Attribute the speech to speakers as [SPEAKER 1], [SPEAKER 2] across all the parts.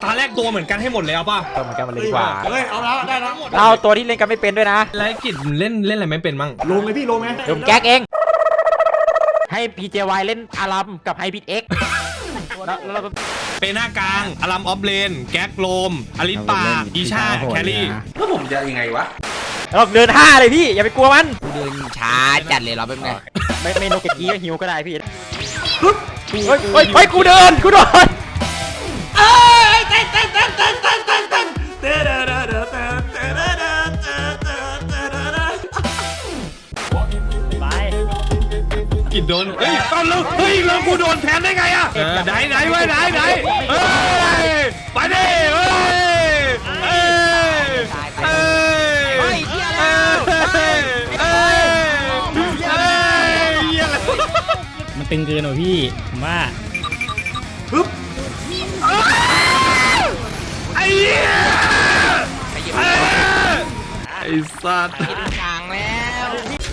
[SPEAKER 1] าแรกตัวเหมือนกันให้หมดเลยเอาป่ะ
[SPEAKER 2] ตัวเหมือนกันมาเลยดีกว่า
[SPEAKER 3] เฮ้ยเอาแล้วได้แล้ว
[SPEAKER 2] เราตัวที่เล่นกันไม่เป็นด้วยนะ
[SPEAKER 1] แล้วกิจเล่นอะไรไม่เป็นมั่ง
[SPEAKER 3] ลงเลยพี่ลงไง
[SPEAKER 2] ผมแก๊กเองให้พีเจวายเล่นอารัมกับไฮบิดเอ็กแล้วเรา
[SPEAKER 1] เปหน้ากลางอารัมออฟเลนแก๊กโลมอลิสปาอีชาแครี่
[SPEAKER 3] แล้วผมจะยังไงวะ
[SPEAKER 2] เราเดิน5เลยพี่อย่าไปกลัวมัน
[SPEAKER 4] เดินช้าจัดเลยเราเป็นไง
[SPEAKER 2] ไม่โนเกตกี้ก็หิวก็ได้พี่เฮ้ยกูเดิน
[SPEAKER 1] กิดโดนเฮ้ยตอนแล้วเฮ้ยเรากูโดนแทนได้ไงอ่ะไหนไว้ไหนเฮ้ยไปดิเฮ้ย
[SPEAKER 5] มันตึงเกินหน่อยพี่ผมว่า
[SPEAKER 1] ปึ๊บไอ้เหี้ยไอ้สัตว์
[SPEAKER 4] กลางแล้ว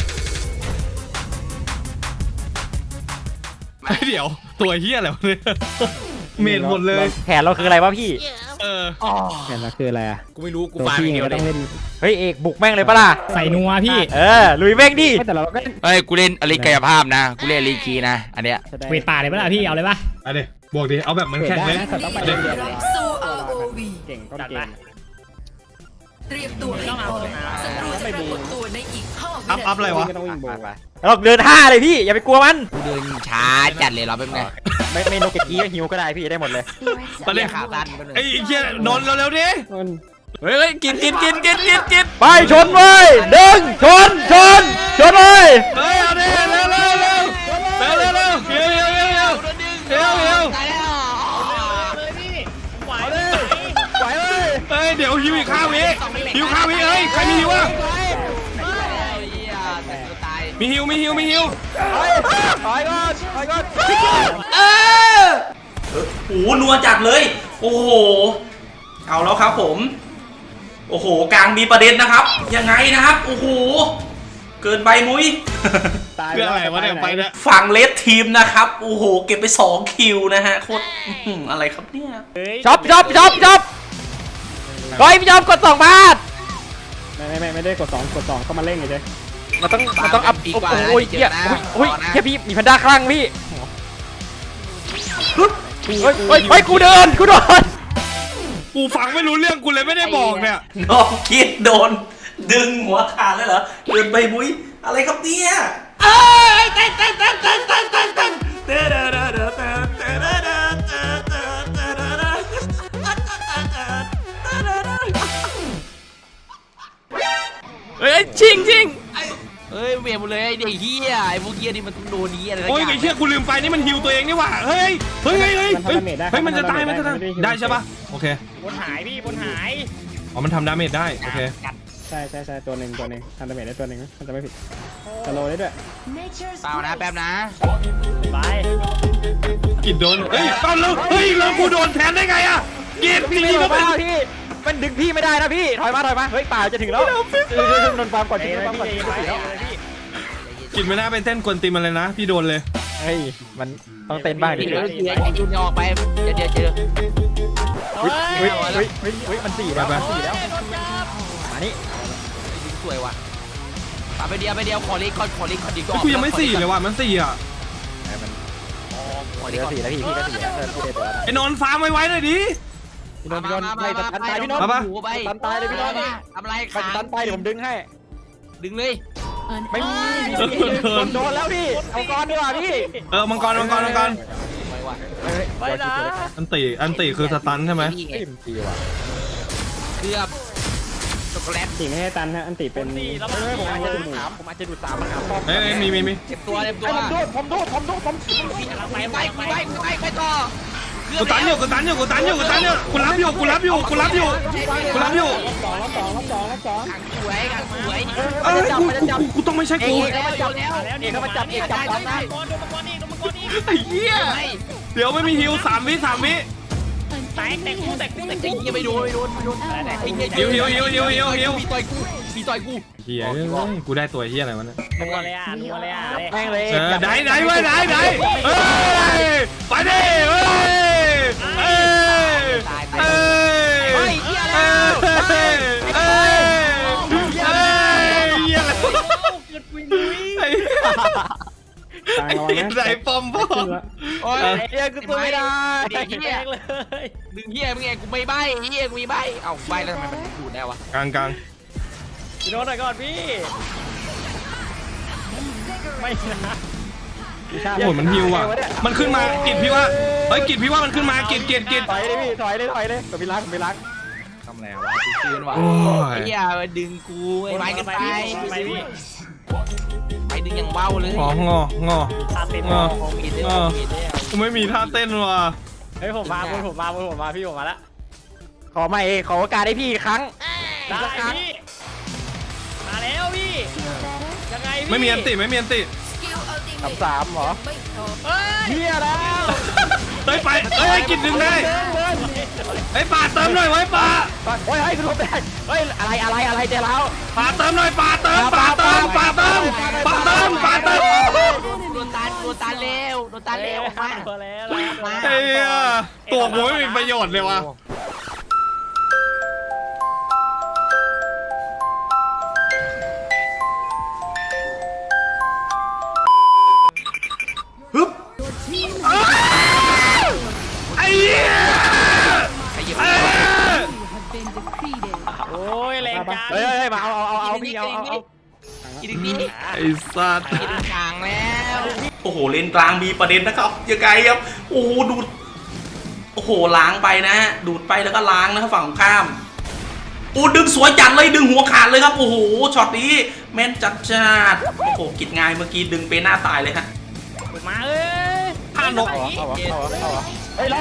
[SPEAKER 1] เดี๋ยวตัวเหี้ยอะไรวะเนี่ยเมนหมดเลย
[SPEAKER 2] แผนเราคืออะไรวะพี่
[SPEAKER 5] แผนเราคืออะไรอ่ะ
[SPEAKER 4] กูไม่รู้กูฟังอย่างเดียว
[SPEAKER 5] ต้องเล่น
[SPEAKER 2] เฮ้ยเอกบุกแม่งเลยปะล่ะ
[SPEAKER 5] ใส่นัวพี่
[SPEAKER 2] ลุยแม่งดิ
[SPEAKER 5] แต่เราก็
[SPEAKER 4] เฮ้ยกูเล่นอลิกายภาพนะกูเล่นอลิคีนะอันเนี้ย
[SPEAKER 5] เวทป่าเลยปะล่ะพี่เอาเลยปะ
[SPEAKER 1] เอาดิบวกดิเอาแบบเหมือนแข่งเลย
[SPEAKER 5] เก่งต้องเก่ง
[SPEAKER 6] เตรียมตัวให้พร้อมศัตรูจะปรากฏตัวในอีก5
[SPEAKER 1] อัพอะไรวะ
[SPEAKER 2] เราเดิน5เลยพี่อย่าไปกลัวมัน
[SPEAKER 4] เดินช้าจัดเลยเราเป็นไง
[SPEAKER 2] ไม่โนเกตกี้ก็หิวก็ได้พี่ได้หมดเลย
[SPEAKER 1] ไปเลยขาตันไอ้เหี้ยนอนเร็วดิ
[SPEAKER 4] เฮ้ยกิน
[SPEAKER 2] ไปชนเว้ยดึงชนเลย
[SPEAKER 1] เฮ้ยเอาดิเร็วเฮ้ยเดี๋ยวหิวอีกข้าววิเฮ้ยใครมีหิวอ่ะมีหิว
[SPEAKER 2] ถอยก่อน
[SPEAKER 3] โอ้โหนัวจัดเลยโอ้โหเอาแล้วครับผมโอ้โหกลางมีประเด็นนะครับยังไงนะครับโอ้โหเกินใบมุ้ย
[SPEAKER 1] เรื่องอะไรวะเนี่ยไปเนี่ย
[SPEAKER 3] ฝั่งเลสทีมนะครับโอ้โหเก็บไป2คิวนะฮะโคตรอะไรครับเนี่ย
[SPEAKER 2] ช็อปร้อยพี่ยอมกด2 บาท
[SPEAKER 5] ไม่ได้กด2ก็มาเล่นไงเจ๊
[SPEAKER 2] มันต้องอัพอีกว่าโอ้ยเหี้ยแค่พี่มีแพนด้าคลั่งพี่เฮ้ยกูเดิน
[SPEAKER 1] กูฟังไม่รู้เรื่องกูเลยไม่ได้บอกเนี่ย
[SPEAKER 3] น้องคิดโดนดึงหัวขาดเลยเหรอเดินใบมุ้ยอะไรครับเนี่ย
[SPEAKER 4] จริงเฮ้ยเวียนหมดเลยไอ้เด็กเฮียไอ้พวกเฮียนี่มันต้องโดนนี้อะไร
[SPEAKER 1] โอ้ยไอ้เชี่ยกูลืมไปนี่มันฮิวตัวเองนี่หว่าเฮ้ยมันจะตายได้ใช่ปะโอเค
[SPEAKER 5] บนหาย
[SPEAKER 1] อ๋อมันทำดาเมจได้โอเค
[SPEAKER 5] ใช่ตัวหนึ่งทำดาเมจได้ตัวหนึ่งมันจะไม่ผิดสโลได้ด้วย
[SPEAKER 4] เปล่านะแป๊บนะ
[SPEAKER 5] ไป
[SPEAKER 1] กิดโดนเฮ้ยตอนแล้วเฮ้ยเรากูโดนแทนได้ไงอะกิด
[SPEAKER 2] พี่มันดึงพี่ไม่ได้นะพี่ถอยมาเฮ้ยป่าจะถึงแล้วโดนฟาร์มก่อน
[SPEAKER 1] กินไม่น่าเป็นเต้นกวนตีมันเลยนะพี่โดนเลย
[SPEAKER 2] เฮ้ยมันต้องเต้นบ้างดิ
[SPEAKER 4] ไอ้จุนออกไปเจอ
[SPEAKER 2] มัน4แล้วมานี่
[SPEAKER 4] สวยว่ะไปเดียวขอลิกดีกว่า
[SPEAKER 1] กูยังไม่4เลยว่ะมัน4อ่ะ
[SPEAKER 2] ขอลิก4แล้วพี่ก็4แล้ว
[SPEAKER 1] ไอ้นนฟาร์มไว้หน่อยดิ
[SPEAKER 2] พี่นนท์ไปตันตายพี่นนท์ตันตายเลยพี่นนท์
[SPEAKER 4] ทำอะไร
[SPEAKER 2] ตันตายเดี๋ยวผมดึงให้
[SPEAKER 4] ดึงเลย
[SPEAKER 2] ไม่มีโดนแล้วพี่เอากรดีกว่าพี่
[SPEAKER 1] มังกร
[SPEAKER 4] ไปนะ
[SPEAKER 1] อันติคือสตันใช่ไหม
[SPEAKER 4] เกือบช็อกโกแลต
[SPEAKER 5] ไม่ให้ตันฮะอันติเป็น
[SPEAKER 2] ผมอาจจะดู3มันหาป้อม
[SPEAKER 1] มี
[SPEAKER 4] เก็บตัว
[SPEAKER 2] ผมดู
[SPEAKER 4] ไปต่อ
[SPEAKER 1] กูตันอยู่กูรับอยู่
[SPEAKER 5] รับ2
[SPEAKER 4] สวย
[SPEAKER 1] กูต้องไม่ใช่กู
[SPEAKER 2] มาจับนะ
[SPEAKER 1] ไอ้เหี้ยเดี๋ยวไม่มีฮิว3 วิ
[SPEAKER 5] แตกกู
[SPEAKER 4] ไอ้เหี้ยไม่โดน
[SPEAKER 1] ฮิว
[SPEAKER 4] มีต่อยกู
[SPEAKER 1] เหี้ยกูได้ตัวเหี้ยอะไรวะเนี่ย
[SPEAKER 5] นัวเลย
[SPEAKER 2] แม่งเลย
[SPEAKER 1] ไหนเว้ยไหนไปดิเฮ้ย
[SPEAKER 5] กลางระวังนะ
[SPEAKER 1] ไหนปอมพ่อ
[SPEAKER 5] ขึ้นละ
[SPEAKER 4] โอ้ย
[SPEAKER 2] เฮียกูตัวไม่ได้
[SPEAKER 4] เด็กเฮีย
[SPEAKER 2] เลย
[SPEAKER 4] ดึงเฮียมึงไงกูไม่ใบเฮียกูมีใบเอ้าใบแล้วทำไมมันดูดได้วะ
[SPEAKER 1] กลางกลาง
[SPEAKER 2] พี่โดนหน่อยก่อนพี่ไม่นะ
[SPEAKER 1] โอ้ยมันฮิวอ่ะมันขึ้นมากิดพี่ว่าเฮ้ยกิดพี่ว่ามันขึ้นมากิด
[SPEAKER 2] ถอยเลยพี่ถอยเลยกับพี่รัก
[SPEAKER 4] ทำอะไรวะคืนวะ
[SPEAKER 1] โอ้ย
[SPEAKER 4] ไอ้เฮียมาดึงกูไอ้ไม้กันไป
[SPEAKER 2] ไปพี่
[SPEAKER 4] ไปดึงอย่างเบ้าเลย
[SPEAKER 1] อ๋องอ
[SPEAKER 2] ตาเต้น
[SPEAKER 1] อ๋อ
[SPEAKER 4] ของมีเด้อมีเด้อ
[SPEAKER 1] กูไม่มีท่าเต้นว่ะ
[SPEAKER 2] เฮ้ยผมมาพี่ผมมาแล้วขอใหม่ขอโอกาสให้พี่อีกครั้งได้พี่มาแล้วพี่ยังไงพี่
[SPEAKER 1] ไม่มีอันติ
[SPEAKER 6] สกิลอัลติเมท
[SPEAKER 2] 3เหรอ
[SPEAKER 6] ไม่พร้อม
[SPEAKER 2] เฮียแล้ว
[SPEAKER 1] เฮ้ยไปเฮ้ยกิดดึงได้เฮ้ยป่าเติมหน่อยไว้ป่า
[SPEAKER 2] โอ้ยคุณโรเบิร์ตเฮ้ยอะไรเจ๊แล้ว
[SPEAKER 1] ป่าเติมหน่อยป่าเติม
[SPEAKER 4] โดนตาเร็วมา
[SPEAKER 2] แล้ว
[SPEAKER 1] เฮ้ยตัวกูไม่มีประโยชน์เลยว่ะ ฮึบไอ้เหี้ย
[SPEAKER 4] ไอ้เหี้ย
[SPEAKER 2] โอ้ยแรงจังเฮ้ยมาเอาพี่เอา
[SPEAKER 4] กินดี
[SPEAKER 1] ไอ้สัตว์
[SPEAKER 4] กินกลางแล้ว
[SPEAKER 3] โอ้โหเลนกลางมีประเด็นนะครับยังไงครับโอ้โหดูดโอ้โหล้างไปนะฮะดูดไปแล้วก็ล้างนะครับฝั่งของข้ามโอ้ดึงสวยจัดเลยดึงหัวขาดเลยครับโอ้โหช็อตนี้แม่นจัดจัดโอ้โหกิดง่ายเมื่อกี้ดึงไปหน้าตายเลยฮะ
[SPEAKER 2] มาเอ้ย
[SPEAKER 1] ท่านก
[SPEAKER 2] เฮ้ยล็อก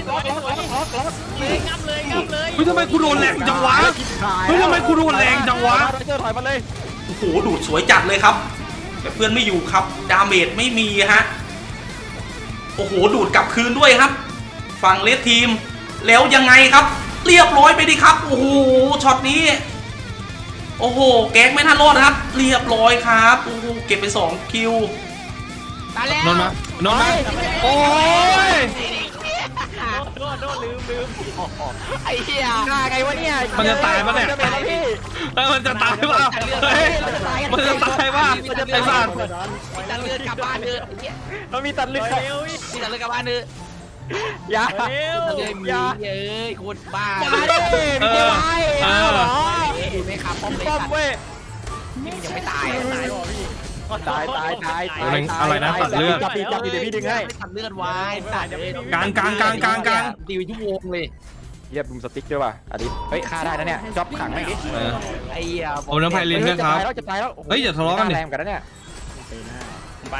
[SPEAKER 2] งับเลย
[SPEAKER 1] เฮ้ยทำไมกูโดนแรงจังวะเฮ้ยทำไมกูโดนแรงจังวะ
[SPEAKER 2] เจอถอยมาเลย
[SPEAKER 3] โอ้โหดูดสวยจัดเลยครับแต่เพื่อนไม่อยู่ครับดาเมจไม่มีฮะโอ้โหดูดกลับคืนด้วยครับฝั่งเลสทีมแล้วยังไงครับ เรียบร้อยไปดิครับโอ้โหช็อตนี้โอ้โหแก๊กไม่น่ารอดครับ เรียบร้อยครับโอ้โหเก็บไป2คิว
[SPEAKER 4] ตายแล้ว
[SPEAKER 1] นอนมาโอ้ย
[SPEAKER 2] โดนลืม
[SPEAKER 4] ไอ้เหี้ย
[SPEAKER 2] ไงวะเนี่ย
[SPEAKER 1] มันจะตายปะเนี่ยเฮ้ยมันจะตายปะเฮ้ยมันจะตายปะไอ้สัตว์
[SPEAKER 4] ตัดเลือดกลับบ้านเถอะไอ้เหี้ย
[SPEAKER 2] มันมีตัดเลือด
[SPEAKER 4] ตัดเลือดกลับบ้านเถอะ
[SPEAKER 2] อย่า
[SPEAKER 4] ตัดเลือดมีเอ้ยโคตรบ้า
[SPEAKER 2] มาดิพี่เจ้าไอ้เหรอ
[SPEAKER 4] ไม่ขับป้อมเลย
[SPEAKER 2] ป้อม
[SPEAKER 4] สัตว์
[SPEAKER 2] เว้ย
[SPEAKER 4] นี่มันยังไม่ตาย
[SPEAKER 2] ตาย
[SPEAKER 1] อะไรนะตัดเลือด
[SPEAKER 2] จับดีเดี๋ยวพี่ดึงให้
[SPEAKER 4] ตัดเลือดไว้ตัดเลย
[SPEAKER 1] กลาง
[SPEAKER 4] ตีไปชั่วโมงเลย
[SPEAKER 2] เยียบมุมสติ๊กด้วยว่ะอดิเฮ้ยฆ่าได้นะเนี่ยจ็อบขังไม่ดิ
[SPEAKER 4] ไอ้เหี้ย
[SPEAKER 1] โอ้น้ำไพลินด้วยครับ
[SPEAKER 2] จะตายแล้ว
[SPEAKER 1] เฮ้ยอย่าทะเลาะกันดิ
[SPEAKER 2] แรงกันนะเนี่ยผมไป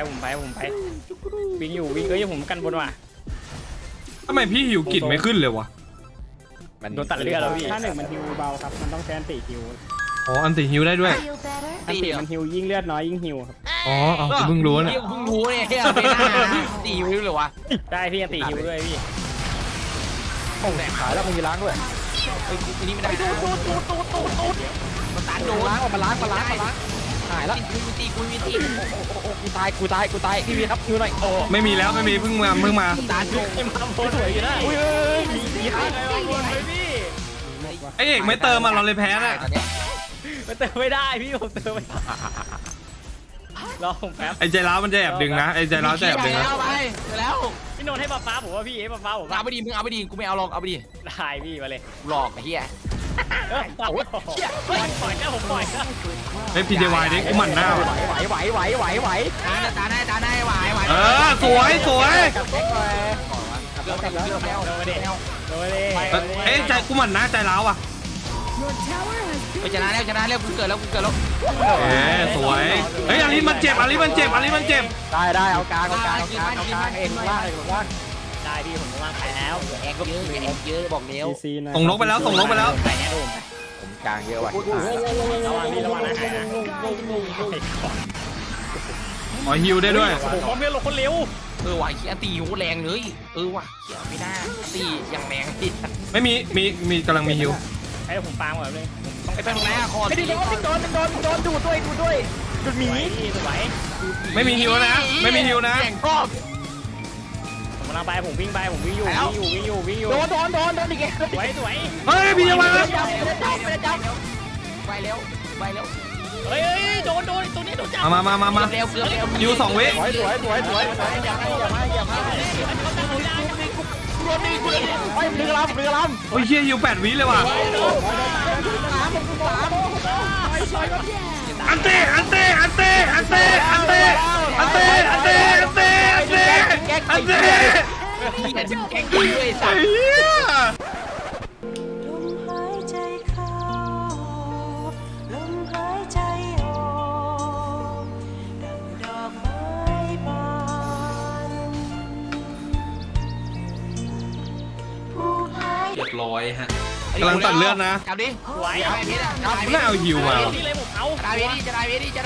[SPEAKER 2] วิ่งอยู่ผมกันบนว่ะ
[SPEAKER 1] ทำไมพี่หิวกิดไม่ขึ้นเลยวะ
[SPEAKER 2] มันโดนตัดเลือดแล้วพี่
[SPEAKER 5] ถ้า1มันฮิวเบาครับมันต้องแซนตีฮิว
[SPEAKER 1] อ๋ออันติหิวได้ด้วย
[SPEAKER 5] อันตีมันฮิวยิ่งเลือดน้อยยิ่งฮิวครับ
[SPEAKER 1] อ๋อเพิ่งรู้เนี่ย
[SPEAKER 4] เพิ่งรู้เนี่ยเฮียไม่น่าตีไม่รู้เลยวะ
[SPEAKER 2] ได้พี่ตีฮิวด้วยพี่
[SPEAKER 4] โอ้แหลก
[SPEAKER 2] ขายแล้วมึงมีล้างด้วย
[SPEAKER 4] ไอ้ทีนี้ไม่ได้ตูดมันตันโดน
[SPEAKER 2] ล้างออกมาล้างหายแล้ว
[SPEAKER 4] กูตี
[SPEAKER 2] กูตายพี่วีครับฮิวหน่อยโอ้
[SPEAKER 1] ไม่มีแล้วไม่มีเพิ่งมา
[SPEAKER 4] ตันโดน
[SPEAKER 2] ยมาโพสวยอยู่นะอุ้ยมีใครมาบนไหมพี่
[SPEAKER 1] ไอเอกไม่เติมอ่ะเราเลยแพ้น่ะ
[SPEAKER 2] มันเติมไม่ได้พี่ผมเติมไม่ได้รอผมแป๊บ
[SPEAKER 1] ไอใจร้าวมันจะแอบดึงนะไอใจร้าวจะแอบดึงนะ
[SPEAKER 4] ไปแล้ว
[SPEAKER 2] พี่นนท์ให้ป๊าผมว่าพี่ป๊าผม
[SPEAKER 4] เอาไปดีมึงเอาไปดีกูไม่เอาหรอกเอาไปดี
[SPEAKER 2] ได้พี่มาเลย
[SPEAKER 4] หลอกไอ้เหี้ย
[SPEAKER 2] ปล่อยนะผมปล่อยนะ
[SPEAKER 1] เฮ้ยพีเจวายดิกูหมั่นหน้า
[SPEAKER 2] ไหว
[SPEAKER 4] ตาได้ไหว
[SPEAKER 1] สวย
[SPEAKER 2] กับแก๊กไปโดน
[SPEAKER 1] เอ้ยใจกูหมั่นหน้าใจร้าวอ่ะ
[SPEAKER 4] ไปชนะแล้วกูเกิดแล้ว
[SPEAKER 1] สวยเฮ้ยอาลิมันเจ็บ
[SPEAKER 2] ได้เอากลางเองล่างได้พี่ผมว่างแล้ว
[SPEAKER 4] แอกเยอะบอกเร็ว
[SPEAKER 5] ซีนะ
[SPEAKER 1] ส่งนกไปแล้ว
[SPEAKER 2] ไปแน่ดูผมกลางเยอะว่ะระวังพี่ระวังนะ
[SPEAKER 1] อ๋อฮิวได้ด้วย
[SPEAKER 2] โอ้โหความเร็วลงคนเร็ว
[SPEAKER 4] ว่ะเหี้ยตีหูแรงเลยว่ะเหี้ยไม่น่าตีอย่างแรงที่
[SPEAKER 1] ไม่มีกำลังมีฮิว
[SPEAKER 2] ให้ผมปางก่อนเลย
[SPEAKER 4] ไปเป็นไหนอะคอ
[SPEAKER 2] ไม่ได้โดนดูดด้วยดูดหมีไหว
[SPEAKER 1] ไม่มีฮิวนะไม่มีฮิวนะ
[SPEAKER 4] แข่งรอบ
[SPEAKER 2] ผมกำลังไปผมวิ่งอยู่โดนอีกแล้วสวย
[SPEAKER 1] เฮ้ยพีเจวาย
[SPEAKER 4] ไปแล้ว
[SPEAKER 2] เฮ้ยโดนตัวนี้โดนจับ
[SPEAKER 1] มา
[SPEAKER 4] เร็วเกือบเร็ว
[SPEAKER 1] อยู่2 วิ
[SPEAKER 5] สวยอย่ามาเฮ้ยดึงลำ
[SPEAKER 1] โอ้ยเฮียอยู่8 วิเลยว่ะอันเต้
[SPEAKER 4] เหี้ยจะแกล้งกูด้วยสัตว์
[SPEAKER 1] เฮีย
[SPEAKER 7] ลมหายใจเข้าลมหายใจออกดังดอกไม้บานผู้หาย
[SPEAKER 3] เรียบร้อยฮะ
[SPEAKER 1] กำลังตัดเลือดนะ
[SPEAKER 4] กลับดิ
[SPEAKER 2] ไหว
[SPEAKER 4] อย่าให้พิษอ่ะ
[SPEAKER 1] ไม่เอาฮิวมา
[SPEAKER 2] นี่เลยผมเอา
[SPEAKER 4] จะได้เวทีจะได้เวที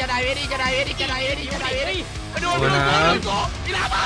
[SPEAKER 4] มาดูนี่ลาเปล่า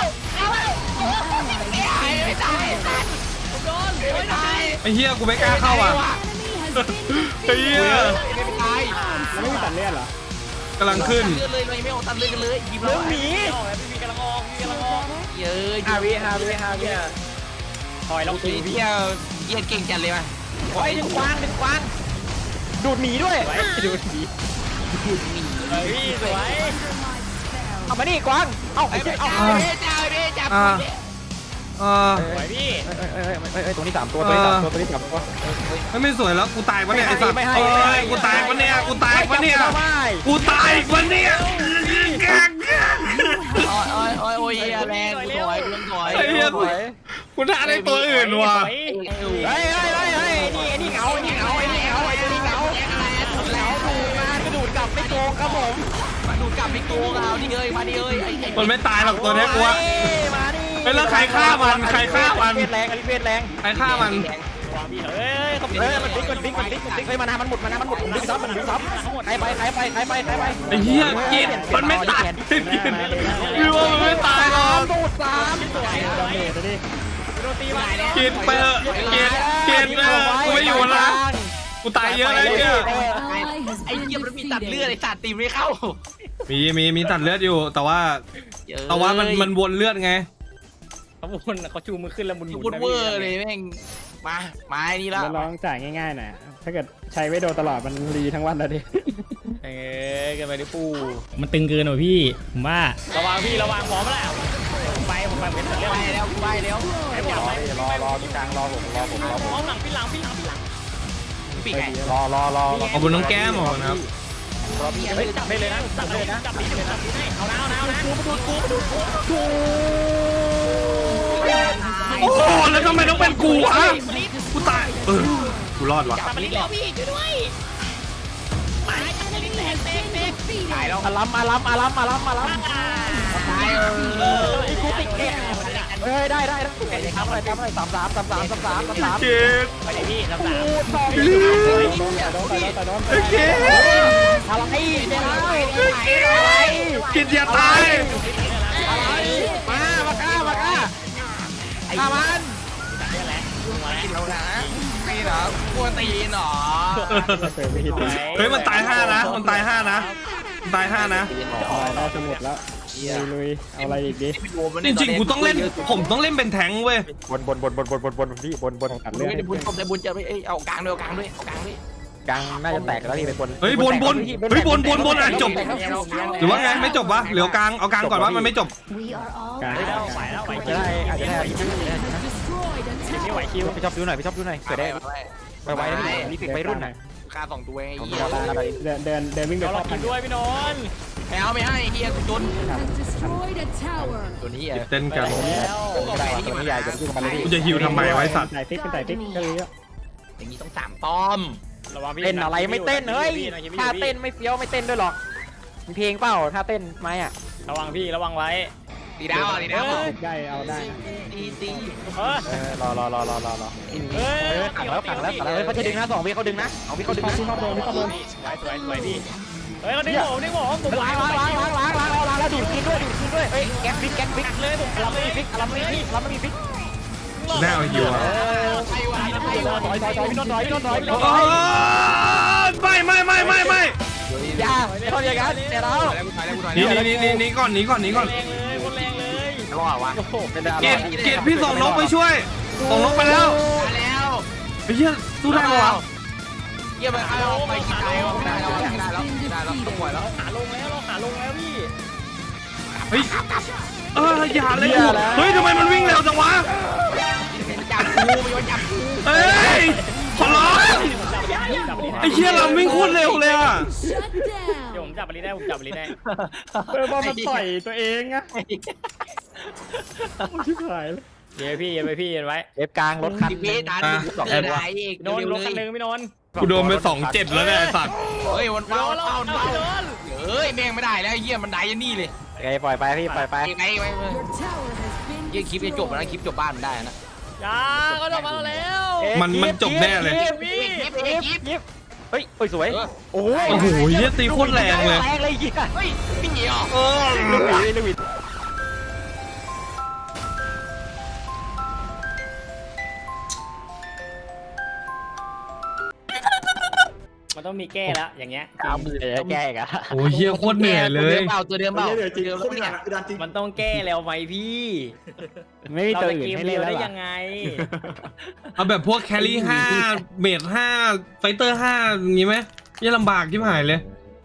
[SPEAKER 4] ไม่ตายสัตว์โดนไม่ตาย
[SPEAKER 1] ไอ้เฮียกูไม่กล้าเข้าอ่ะไอ้เฮีย
[SPEAKER 4] ไม่ตาย
[SPEAKER 5] ไม่มีตัดเลือดเหรอก
[SPEAKER 1] ำลังขึ้น
[SPEAKER 4] เลือดเลยไม่ออกตัดเลือดกันเลยยิบเรา
[SPEAKER 2] หนีพี่กำลังออก
[SPEAKER 4] เยอะ
[SPEAKER 5] 5 วิ
[SPEAKER 2] ถอยแล้ว
[SPEAKER 4] เที่ยวเยี่ยเก่งจัดเลยว่ะ
[SPEAKER 2] เฮ้ยดึงกวาง
[SPEAKER 5] ดูดหนีด้วยดูดหนี
[SPEAKER 2] พี่สวย
[SPEAKER 5] เอามานี่กวางเอา
[SPEAKER 4] ไอ้เจ้าจับ
[SPEAKER 2] สวยพี่
[SPEAKER 5] ตัวนี้3 ตัว
[SPEAKER 1] ไม่สวยแล้วกูตายปะเนี่ยไอ้สัตว์
[SPEAKER 5] ไม่ให้
[SPEAKER 1] กูตายปะเนี่ยกูตายปะเนี่ย
[SPEAKER 4] โอ้ยแรงกูถอยกูถอย
[SPEAKER 1] ไอ้เฮียกูท่าได้ตัวอื่นว่ะ
[SPEAKER 5] เฮ้ยนี่เหงาตัวนี้เหงากระดูดกลับไม่โกงครับผม
[SPEAKER 4] มาดูกลับไปโกงเอาดิเอ้ยมาดิเอ้ย
[SPEAKER 1] มันไม่ตายหรอกตัวเนี้ยกูว่า
[SPEAKER 5] มาดิ
[SPEAKER 1] เฮ้ยแล้วใครฆ่ามัน
[SPEAKER 5] เฟสแรงอันนี้เฟสแรง
[SPEAKER 1] ใครฆ่ามัน
[SPEAKER 2] เฮ้ยเขา
[SPEAKER 5] มันบิ๊กเฮ้ยมานามันหมดผมดึงซับใครไป
[SPEAKER 1] ไอ้เหี้ยกินมันไม่ตายพี่ว่ามันไม่ตายหรอก
[SPEAKER 5] ดูด3
[SPEAKER 2] โดนตีมา
[SPEAKER 1] กินไปเถอะกินกูไม่อยู่นะกูตายเยอะเลยเนี่ย
[SPEAKER 4] ไอ้เหี้ยมันมีตัดเลือดไอ้สัตว์ตีไม่เข้า
[SPEAKER 1] มีตัดเลือดอยู่แต่ว่ามันวนเลือดไง
[SPEAKER 2] เขาชูมือขึ้นแล้วมุน
[SPEAKER 4] พูดเวอร์เลยแม่งมาไอ้นี่ละ
[SPEAKER 5] ลองจ่ายง่ายๆหน่อยถ้าเกิดใช้ไว้โดนตลอดมันรีทั้งวันแล้วดิ
[SPEAKER 2] กันไปดิปูมันตึงเกินหน่อยพี่ผมว่าระวังหมอมาแล้วผมไปเป็นเรื่อง
[SPEAKER 4] ไปแล้วไอ้หมอ
[SPEAKER 5] รอตรงกลางรอผม
[SPEAKER 2] เอาหลังพี่หลัง
[SPEAKER 4] ปีกไง
[SPEAKER 5] รอ
[SPEAKER 1] ขอบคุณน้องแก้มขอบคุณครับ
[SPEAKER 2] เฮ้ยจับไปเลยนะจับให้เอากู
[SPEAKER 1] โอ้โหแล้วทำไมต้องเป็นกูอ่ะกูตายกูรอดวะ
[SPEAKER 4] จับลิ้นแล้วพี่ช่วยด้วยตายแล้ว
[SPEAKER 5] อาลัม
[SPEAKER 4] ตาย
[SPEAKER 5] กูติดเกมเฮ้ยได้ทำอะไร33
[SPEAKER 1] เกต
[SPEAKER 2] ไปไหนพี่ลำ
[SPEAKER 5] โด
[SPEAKER 2] สาม
[SPEAKER 5] น
[SPEAKER 1] เกต
[SPEAKER 5] อะไร
[SPEAKER 1] กินอย่าตาย
[SPEAKER 5] มากล้าฆ่ามัน
[SPEAKER 4] เรานะนี่เหรอกลัวตีนเหรอ
[SPEAKER 1] เฮ้ยมันตาย5นะมันตาย5นะ
[SPEAKER 5] ได้จะหมดแล้วลุยเอาอะไรอีกดิ
[SPEAKER 1] จริงๆกูต้องเล่นผมต้องเล่นเป็นแทงเว้ย
[SPEAKER 5] บนพี่บนตัดเลือด
[SPEAKER 4] ได้บุญผมได้บุญจะไปเอากลางด้วย
[SPEAKER 5] กลางน่าจะแตกแล้วพี่ไปบน
[SPEAKER 1] เฮ้ยบนอ่ะจบหรือว่าไงไม่จบวะเหลือกลางเอากลางก่อนว่ามันไม่จบ
[SPEAKER 5] กลาง
[SPEAKER 2] ไหวแล้ว
[SPEAKER 5] จะได้อาจจะได้
[SPEAKER 2] ไม่ไหวคิว
[SPEAKER 5] พี่ชอบดูหน่อยเกิดได้ไวนะพี่ไปรุ่นหน่อย
[SPEAKER 4] ค่า2ตัวไอ้เหี้ย
[SPEAKER 5] เดินวิ่งไป
[SPEAKER 2] เรา
[SPEAKER 5] รอบ
[SPEAKER 2] กินด้วยพี่นนท์
[SPEAKER 4] ไม่ให้เหี้ยกูจนตัวนี้อ่ะ
[SPEAKER 1] เต้นกัน
[SPEAKER 5] ได้ตัวนี้ใหญ่จะสู้กันเลย
[SPEAKER 1] กูจะฮิวทำไมไว้สัตว์
[SPEAKER 5] ใส่ฟิกก็เลย
[SPEAKER 4] อย่างนี้ต้อง3ต้อม
[SPEAKER 5] เต้นอะไรไม่เต้นเฮ้ยถ้าเต้นไม่เฟี้ยวไม่เต้นด้วยหรอกมีเพลงเปล่าถ้าเต้นไหมอ่ะ
[SPEAKER 2] ระวังพี่ระวังไว้
[SPEAKER 4] ตีดาว
[SPEAKER 5] ได้เอาได้
[SPEAKER 4] ตี
[SPEAKER 5] รอขังแล้วเขาจะดึงนะ2วิเขาดึงนะ2วิเขาดึงนะชอบโดน
[SPEAKER 2] สวยพี่เฮ้ยเขาดึงผม
[SPEAKER 5] ล้างแล้วดูดกินด้วยเฮ้ยแก๊กฟิกเลยผมรับไม่มีฟิก
[SPEAKER 1] แน่เอาฮิวอ่ะ
[SPEAKER 5] ถอยพี่นนท์ถอย
[SPEAKER 1] ไม่
[SPEAKER 5] อย่าไม่ทำอย่างนั้นเดี๋ยวเรา
[SPEAKER 1] นี่ก่อน
[SPEAKER 2] แรงเลย
[SPEAKER 4] รอดวะ
[SPEAKER 1] เกตพี่ส่งนกไปช่วยส่งนกไปแล้ว
[SPEAKER 4] แล้ว
[SPEAKER 1] ไอ้เหี้ยสู้ได้ปะวะ
[SPEAKER 4] หี้ยไปเอาไปกินไก่ไม่ได้แล้วต้องปล่อยแล้ว
[SPEAKER 2] ขาลงแล้วเราขาลงแล้วพี่
[SPEAKER 1] เฮ้ยอย่าเลยเฮ้ยทำไมมันวิ่งเร็วจังวะ
[SPEAKER 4] จับกูมันจับกู
[SPEAKER 1] เฮ้ยขอร้องไอ้เชี่ยเราวิ่งโคตรเร็วเลยอ่ะ
[SPEAKER 2] เดี๋ยวผมจับบอลได้ผมจับบอลได้
[SPEAKER 5] เออบอลมันต่อยตัวเองอะชิบหายเลย
[SPEAKER 2] เดี๋ยวพี่เย็นไปพี่เย็นไว้
[SPEAKER 5] เอฟกลางรถคัน
[SPEAKER 4] พี่ทานสองไหนอีก
[SPEAKER 2] โดนลงคันหนึ่งพี่นนท์
[SPEAKER 1] กูโดนไป2-7แล้วเนี่ยไอ้สัตว์
[SPEAKER 4] เฮ้ยมัน
[SPEAKER 2] โด
[SPEAKER 4] เบาน
[SPEAKER 2] แล้ว
[SPEAKER 4] เบา
[SPEAKER 2] โดน
[SPEAKER 4] เฮ้ยแม่งไม่ได้แล้วเหี้ยมันได้ยันนี่เลย
[SPEAKER 5] โอเคปล่อยไปพี่ปล่อยไป
[SPEAKER 4] ยังไงไปเหี้ยคลิปจะจบแล้วคลิปจบบ้านได้นะ
[SPEAKER 2] จ้าเขาโดนมาแล้ว
[SPEAKER 1] มันจบแน่เลย
[SPEAKER 2] พี่
[SPEAKER 5] ยิบเฮ้ยสวยโอ้ย
[SPEAKER 1] โอ้โหเหี้ยตีโคตรแรงเลย
[SPEAKER 5] แรงเลยเหี้ย
[SPEAKER 4] เฮ้ยพี่เหนียว
[SPEAKER 5] ลูกหวี
[SPEAKER 2] มันต้องมีแก้แล้วอย่างเงี้ย
[SPEAKER 5] เอามือเลยแกอีกอะ
[SPEAKER 1] โอ้เหี้ยโคตรเหนื่อยเลย
[SPEAKER 4] ตัวเดิมเปล่า
[SPEAKER 8] จริงโคตรหนักดันจริง
[SPEAKER 2] มันต้องแก้แล้วไหมพี่
[SPEAKER 5] ไม่มี
[SPEAKER 2] เรา
[SPEAKER 5] ตัว
[SPEAKER 2] จะ
[SPEAKER 5] อื่น
[SPEAKER 2] เกม
[SPEAKER 5] ให้
[SPEAKER 2] เดี
[SPEAKER 5] เล่
[SPEAKER 2] ย
[SPEAKER 5] น
[SPEAKER 2] ว
[SPEAKER 5] แล้ว
[SPEAKER 2] ได้
[SPEAKER 5] เหรอ
[SPEAKER 2] ยังไง
[SPEAKER 1] เอาแบบพวกแครี่5เมจ5ไฟเตอร์5อย่างงี้ไหมยังลำบากที่หายเลย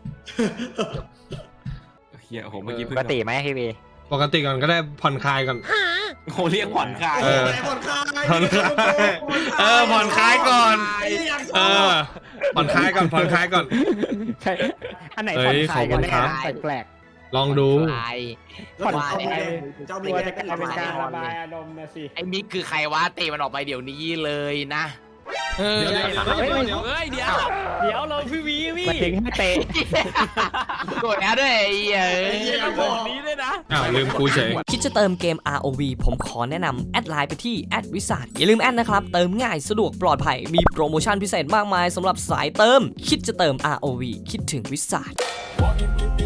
[SPEAKER 8] เฮียโอ้โหเมื่อกี้
[SPEAKER 5] ป
[SPEAKER 8] เพิ่ง
[SPEAKER 5] กติไหมพี่บี
[SPEAKER 1] ปกติก่อนก็ได้ผ่อนคลายก่อน
[SPEAKER 8] โอ้เรียกผ่อนคลาย
[SPEAKER 1] ผ่อนคลายผ่อนคลายก่อนผ่อนคลายก่อนผ่อนคลายก่อน
[SPEAKER 5] ใช่อันไหน
[SPEAKER 1] เฮ้
[SPEAKER 5] ผ่อน
[SPEAKER 1] ย
[SPEAKER 5] คลายกัน
[SPEAKER 1] ขอบคุณครับ
[SPEAKER 5] แปลก
[SPEAKER 1] ลองดู
[SPEAKER 5] ผ่อนคลาย
[SPEAKER 8] เจ้า
[SPEAKER 5] ๆ
[SPEAKER 8] มี
[SPEAKER 5] ตัว
[SPEAKER 8] แค่
[SPEAKER 5] จะกลายเป็นการระบายอารมณ์นะสิ
[SPEAKER 4] ไอ้มิกคือใครวะเตะมันออกไปเดี๋ยวนี้เลยนะเฮ้ย
[SPEAKER 1] เดี๋ยว
[SPEAKER 4] เฮ้ยเดี๋ยว
[SPEAKER 2] เดี๋ยวเราพี่วีพี่
[SPEAKER 5] มันถึงให้เตะ
[SPEAKER 4] กดแล้วด้วยไอ้เหี้ย
[SPEAKER 2] บอกนี้ด้วยนะ
[SPEAKER 1] อ้าวลืมกูเฉย
[SPEAKER 9] คิดจะเติมเกม ROV ผมขอแนะนำแอดไลน์ไปที่แอดวิสาอย่าลืมแอดนะครับ เติมง่ายสะดวกปลอดภัยมีโปรโมชั่นพิเศษมากมายสำหรับสายเติม คิดจะเติม ROV คิดถึงวิสา